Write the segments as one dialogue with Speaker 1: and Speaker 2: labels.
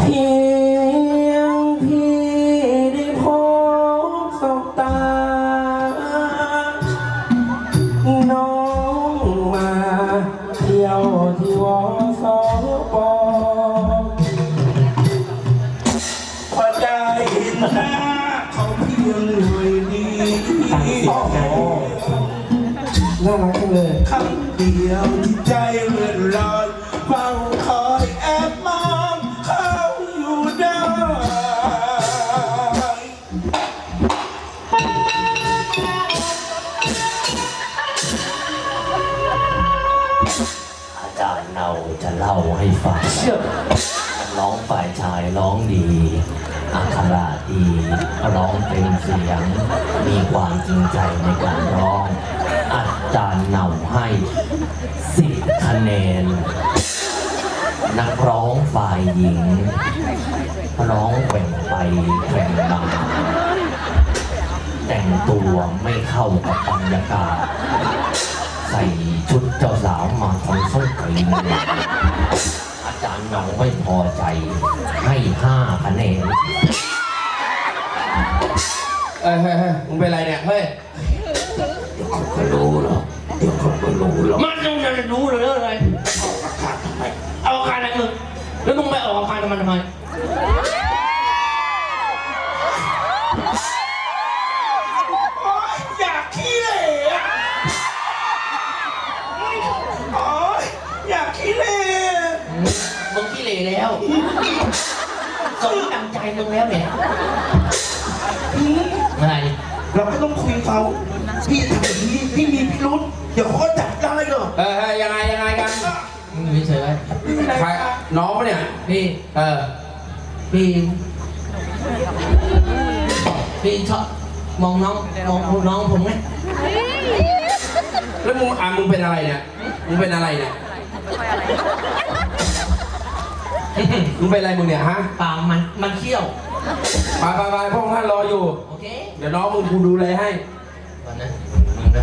Speaker 1: พียงพี่ได้พบสบตาน้องมาเที่ยวที่วสปพอได้เห็นหน้าเขาเพียงหน่อยดีน่ารักจังเลยคำเดียวที่ใจเลื่อนลอยเฝ้าคอยแอบมองเขาอยู่ได้
Speaker 2: อาจารย์เราจะเล่าให้ฟังร้องฝ่ายชายร้องดีอักขระดีร้องเป็นเสียงมีความจริงใจในการร้องอาจารย์เนาให้10 คะแนนนักร้องฝ่ายหญิงร้องแกว่งไปแกว่งมาแต่งตัวไม่เข้ากับบรรยากาศใส่ชุดเจ้าสาวมาทำส้นตีนอาจารย์เนาไม่พอใจให้5 คะแนน
Speaker 1: เฮ้ยมึงเป็นไรเนี่ยเฮ้ย
Speaker 2: เดี๋ยวเขาก็รู้หรอกเดี๋ยวเขาก็รู้หรอก
Speaker 3: มันต้องจะรู้เลยอะไรเอาอาคารอะไรมึงแล้วมึงไปออกอาคารทำไม
Speaker 1: อยากขี้เหร่อยากขี้เหร่
Speaker 3: มึงขี้เหร่แล้วสมตั้งใจมึงแล้วเนี่ยอะไร
Speaker 1: เราก็ต้องคุยเขาพี่ทำแบบนี้พี่มีพิรุธเดี๋ยวเขาก็จับได้เหรอ
Speaker 4: ยังไงกัน
Speaker 3: มึงไม่เฉย
Speaker 4: ใครน้องเนี่ย
Speaker 3: พี่พี่ชอบมองน้องผมไหม
Speaker 4: แล้วมึงเป็นอะไรเนี่ยมึงเป็นอะไรเนี่ยมึงเป็นอะไรมึงเนี่ยฮะ
Speaker 3: ปากมันเขี้ยว
Speaker 4: ไปพ่อท่านรออยู่
Speaker 3: โอเค
Speaker 4: เดี๋ยวน้องมึงกูดูแลให้
Speaker 3: ก่อนนะมึงนะ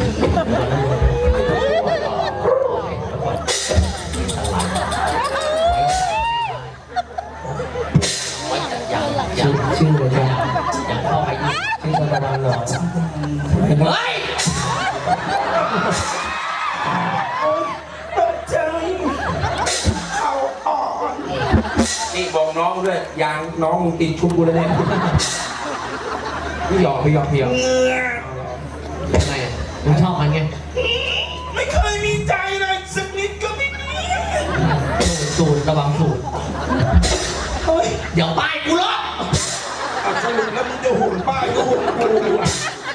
Speaker 1: ชื่อเลยจ้ะ
Speaker 3: อย่าเข้าไปอีก
Speaker 1: ชื่อตะวันหรอ
Speaker 3: เฮ้ย
Speaker 1: ตกใจเขาอ่อน
Speaker 4: นี่บอกน้องด้วยยางน้องมึงติดชุดกูเลยเนี่ยพี่หยอก
Speaker 1: เงือ
Speaker 3: ยังไงมึงชอบมันไง
Speaker 1: ไม่เคยมีใจเลยสักนิดก็ไม่มี
Speaker 3: สูตรระวังสูตรเดี๋ยวป้ายกูล็อก
Speaker 1: สรุปแล้วมึงจะหุ่นป้ายก็หุ่นกูอ่ะ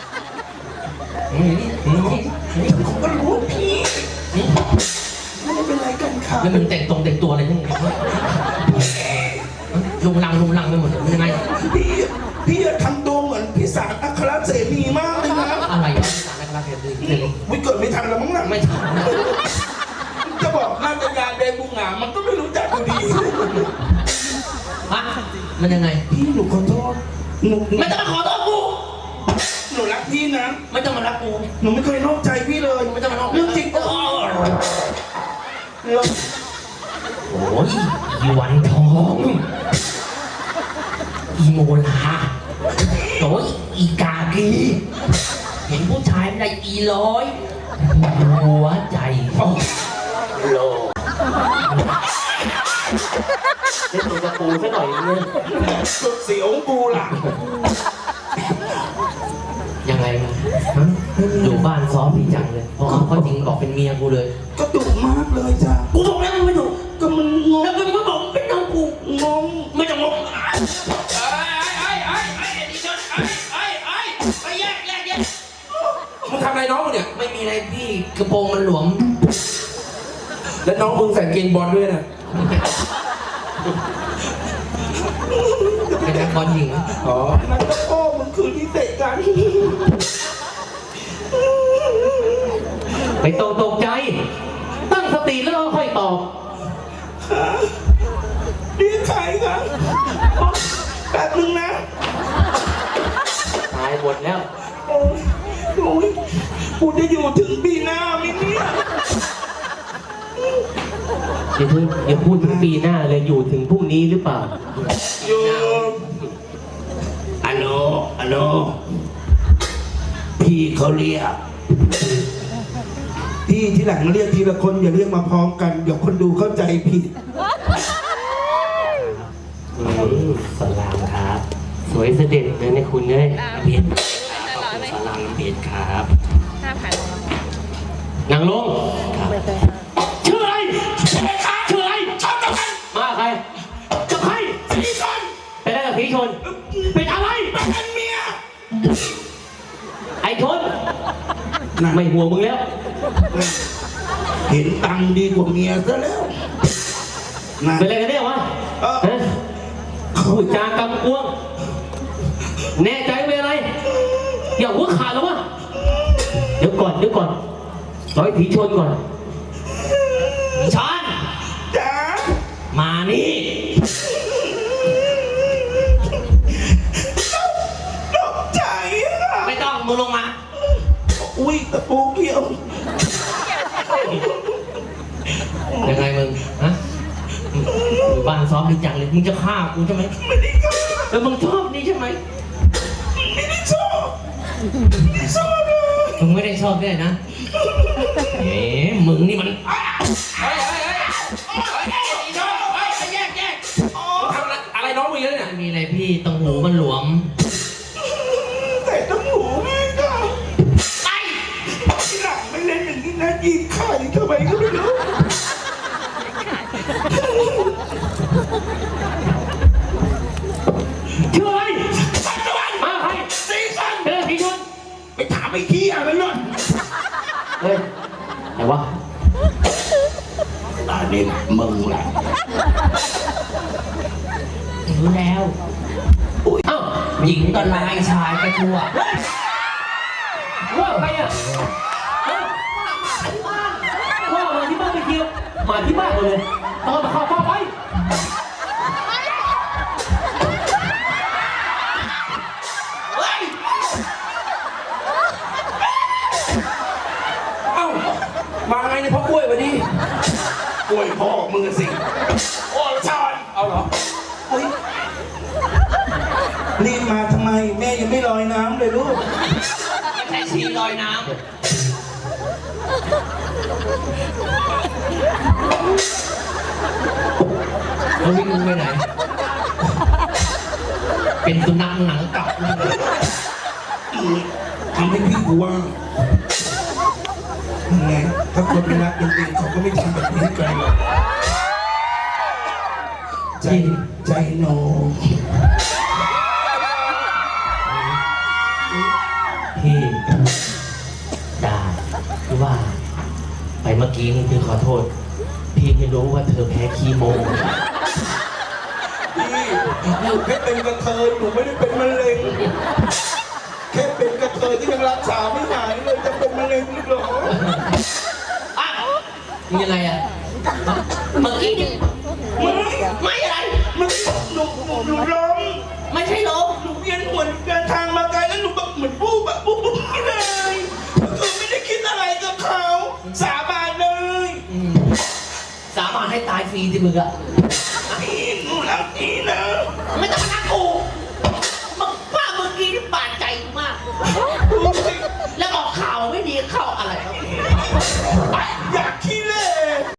Speaker 1: นี่ผมก็รู้พี่ไม่เป็นไรกันค่ะ
Speaker 3: แล้วมึงแต่งตัวอะไรทั้งหมดลุงลังไปหมดเลยยังไง
Speaker 1: พี่ทำตัวเหมือนพี่สารอัครเสนีมากเลยนะ
Speaker 3: อะไรพี่สารอัครเสนี
Speaker 1: วิเกิดไม่ทันแล้วมั้งน่ะ
Speaker 3: ไม่ทัน
Speaker 1: จะบอกน่าจะยาแดงบุงหงามันก็ไม่รู้จักอยู่ดี
Speaker 3: มันยังไง
Speaker 1: พี่หนูขอโทษหนู
Speaker 3: ไม่ต้องมาขอโทษกู
Speaker 1: หนูรักพี่นะ
Speaker 3: ไม่ต้องมารักกู
Speaker 1: หนูไม่เคยนอกใจพี่เลย
Speaker 3: ไม่ต้องมานอก
Speaker 1: เรื่องจริงก็
Speaker 3: โอ้ยอีวันทองอีโมลาโอ้ยอีกากีเห็นผู้ชายไม่ได้อีร้อยหัวใจโลเล่นตัวกระปูซะหน่อยนึง
Speaker 1: สุดเสียวปูล่ะ
Speaker 3: ยังไงมาอยู่บ้านซ้อมพี่จังเลยเพราะเขาจริงบอกเป็นเมียกูเลย
Speaker 1: ก็ดุมากเลยจ้ะ
Speaker 3: กูบอกแล้วมึงไม่ดุ
Speaker 1: ก็มันงง
Speaker 3: แล้วมึงก็บอกเป็นน้องกู
Speaker 1: งง
Speaker 3: ไม่ต้องงง
Speaker 4: มึงทำอะไรน้องมึงเนี่ย
Speaker 3: ไม่มีอะไรพี่กระโปรงมันหลวม
Speaker 4: แล้วน้องมึงใส่เกงบอลด้วยนะ
Speaker 3: เป็นนักบอลหญิง
Speaker 1: นั่นก็พ่อมึงคือที่เตะกัน
Speaker 3: ไปตกใจตั้งสติแล้วค่อยตอบ
Speaker 1: เรียกใครครับแป๊บนึงนะ
Speaker 3: ตายหมดแล้ว
Speaker 1: โอ้ยกูจะอยู่ถึงปีหน้าไหมเนี่ย
Speaker 3: อย่าพูดถึงปีหน้าเลยอยู่ถึงพรุ่งนี้หรือเปล่า
Speaker 1: อยู่อัลโหลอัลโหลพี่เขาเรียกพี่ที่หลังเรียกทีละคนอย่าเรียกมาพร้อมกันเดี๋ยวคนดูเข้าใจผิด
Speaker 3: สลามครับ สวยเสด็จเลยนะคุณเลยเบียดสลามเบียดครับนางลงชื่ออะไรชื่ออะไรชอบกับใครมาใครกับใครสีชนเป็นอะไรกับสีชนเป็นอะไรเป็นเมียไอ้ชนไม่ห่วงมึงแล้ว
Speaker 1: เห็นตังค์ดีกว่าเมียซะแล้วนะ
Speaker 3: เป็นอะไรกันเนี่ยวะพูดจากำกวงแน่ใจเป็นอะไรอย่าหัวขาดแล้ววะเดี๋ยวก่อนร้อยผีชนก่อนผีชน
Speaker 1: จ๋า
Speaker 3: มานี่
Speaker 1: ตกใจอะ
Speaker 3: ไม่ต้องมึงลงมา
Speaker 1: อุ้ยตะปูเกี่ยว
Speaker 3: ยังไงมึงฮะอยู่บ้านซ้อมดีจังเลยมึงจะฆ่ากูใช่ไหม
Speaker 1: ไม่ได้ก็
Speaker 3: แล้วมึงชอบนี่ใช่ไหม
Speaker 1: ไม่ได้ชอบไม่ชอบเลย
Speaker 3: มึงไม่ได้ชอบด้วยนะเอ๊ะมึงนี่มัน
Speaker 4: ทำอะไรน้องมึงเนี่ย
Speaker 3: ไม่มีอะไรพี่ตรงหูมันหลวม
Speaker 1: แต่ต้องหูไม่ได้ไปที่หลังไม่เล่นอย่างนี้นะยิงไข่ทำไมก็ไม่รู้
Speaker 3: ชื่ออะไร
Speaker 1: ปัจจุบัน
Speaker 3: มาใคร
Speaker 1: ซีซัน
Speaker 3: เป็นอะไรผีชน
Speaker 1: ไปถามไอ้ที่อะไรนั่น
Speaker 3: เฮ้ยไหนวะ
Speaker 1: อันนี้มึงแหละ
Speaker 3: รู้แล้วอ้าวหญิงก็ลายชายก็ชั่วว่าใครอ่ะว่ามาที่บ้านไปเที่ยวมาที่บ้านเลยตอนมาเข้าเฝ้าไป
Speaker 4: เอ้ามาไงเนี่ยพ่อกล้วยวันนี้
Speaker 1: กล้วยพ่อมึงสิโอ้ชอน
Speaker 4: เอาเหรอ
Speaker 1: อุ้ยรีบมาทำไมแม่ยังไม่ลอยน้ำเลยลูก
Speaker 3: ไม่ใช่ชีลอยน้ำแล้ววิ่งไปไหน เป็นสุนัขหนังกลับเลย
Speaker 1: ทำให้พี่กูว่าไงถ้าคนไม่รักจริงๆเขาก็ไม่ทำแบบนี้กันหรอกใจโน
Speaker 3: พี่ด่าคือว่า ไปเมื่อกี้นี่พี่ขอโทษ พี่ไม่รู้ว่าเธอแพ้คีโม
Speaker 1: พี่หนูแค่เป็นกระเทยหนูไม่ได้เป็นมะเร็งแค่เป็นกระเทยที่ยังรักษาไม่หายเลยจะเป็นมะเร็งหรือเหรอ
Speaker 3: อ่ะมีอะไรอ่ะเมื่อกี้นี่ไม่อะไร
Speaker 1: มันหนูร้อง
Speaker 3: ไม่ใช่ลม
Speaker 1: หนูเวียนหัวเดินทางมาไกลแล้วหนูแบบเหมือนปุ๊บไม่เลยคือไม่ได้คิดอะไรกับเขาสาบานเลย
Speaker 3: สามารถให้ตายฟรีสิมึงอะ
Speaker 1: พี่หนูรักพี่นะ
Speaker 3: ไม่ต้องมาทักกูมึงป้าเมื่อกี้นี่บาดใจมาก แล้วออกข่าวไม่ดีเข้าอะไรครับ